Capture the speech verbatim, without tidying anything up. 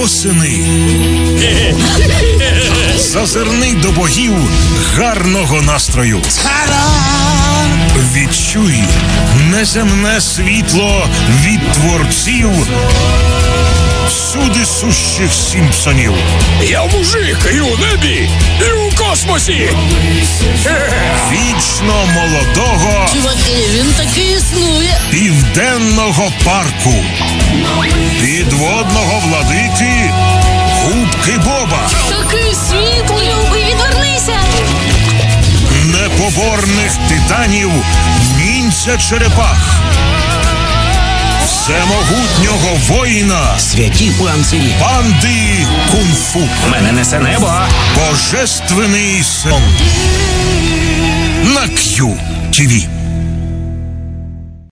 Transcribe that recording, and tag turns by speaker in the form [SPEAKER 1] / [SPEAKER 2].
[SPEAKER 1] восени. Зазирни до богів гарного настрою. Відчуй неземне світло від творців всюди сущих Сімпсонів.
[SPEAKER 2] Я мужик і у небі, і у космосі.
[SPEAKER 1] Вічно молодого
[SPEAKER 3] Чуваки, він таки існує.
[SPEAKER 1] Південного парку. Підводного владики Губки Боба.
[SPEAKER 3] Такий світлий. Любий, відвернися.
[SPEAKER 1] Непоборних титанів Ніндзя Черепах. Всемогутнього воїна
[SPEAKER 2] Святі панцирі.
[SPEAKER 1] Панди Кунг-фу.
[SPEAKER 2] Мене несе небо.
[SPEAKER 1] Божественний сон. На К'ю ті ві.